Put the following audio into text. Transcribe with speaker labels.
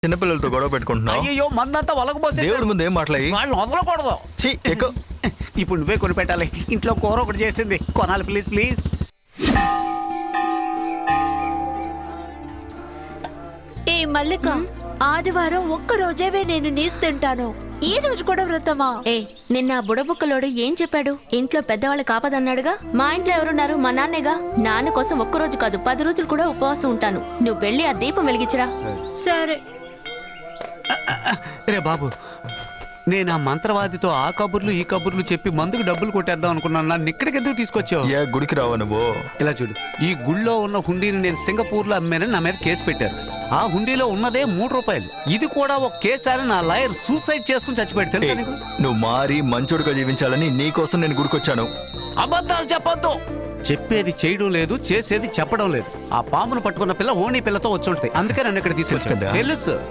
Speaker 1: చిన్నపిల్లలతో గొడవ పెట్టుకుంటున్నావు.
Speaker 2: అయ్యో మందంతా ఒలగబోసే
Speaker 1: దేవుడి ముందు ఏం మాట్లాడి
Speaker 2: వాళ్ళు వదలకూడదు.
Speaker 1: ఎక్కువ
Speaker 2: ఇప్పుడు నువ్వే కొని పెట్టాలి. ఇంట్లో కూర ఒకటి చేసింది కొనాలి ప్లీజ్ ప్లీజ్.
Speaker 3: ఏ మల్లిక, ఆదివారం ఒక్క రోజేవే నేను నీసు తింటాను. ఈ రోజు కూడా వ్రతమా?
Speaker 4: ఏ నిన్న ఆ బుడబుక్కలోడు ఏం చెప్పాడు? ఇంట్లో పెద్దవాళ్ళు కాపదన్నాడుగా. మా ఇంట్లో ఎవరున్నారు? మా నాన్నేగా. నాన్న కోసం ఒక్కరోజు కాదు 10 రోజులు కూడా ఉపవాసం ఉంటాను. నువ్వు వెళ్ళి ఆ దీపం వెలిగించరా.
Speaker 3: సరే.
Speaker 2: రే బాబు, నేను ఆ మంత్రవాదితో ఆ కబుర్లు ఈ కబుర్లు చెప్పి మందుకు డబ్బులు కొట్టేద్దాం అనుకున్నాను. నన్ను ఇక్కడికి ఎందుకు తీసుకొచ్చావు?
Speaker 1: ఏ గుడికి రావా నువ్వు?
Speaker 2: ఇలా చూడు, ఈ గుళ్ళో ఉన్న హుండీని నేను సింగపూర్లో అమ్మానని నా మీద కేసు పెట్టారు. ఆ హుండీలో ఉన్నదే 3 రూపాయలు. ఇది కూడా ఒక కేసు అని నా లాయర్ సూసైడ్ చేసుకుని చచ్చిపోయాడు తెలుసా నీకు?
Speaker 1: నువ్వు మారి మంచోడుగా జీవించాలని నీకోసం నేను గుడికొచ్చాను.
Speaker 2: అబద్ధాలు చెప్పొద్దు. చెప్పేది చేయడం లేదు, చేసేది చెప్పడం లేదు. ఆ పామును పట్టుకున్న పిల్ల ఓణి పిల్లతో వచ్చి ఉంటాయి. అందుకే నన్ను ఇక్కడ తీసుకొచ్చాను. తెలుసు.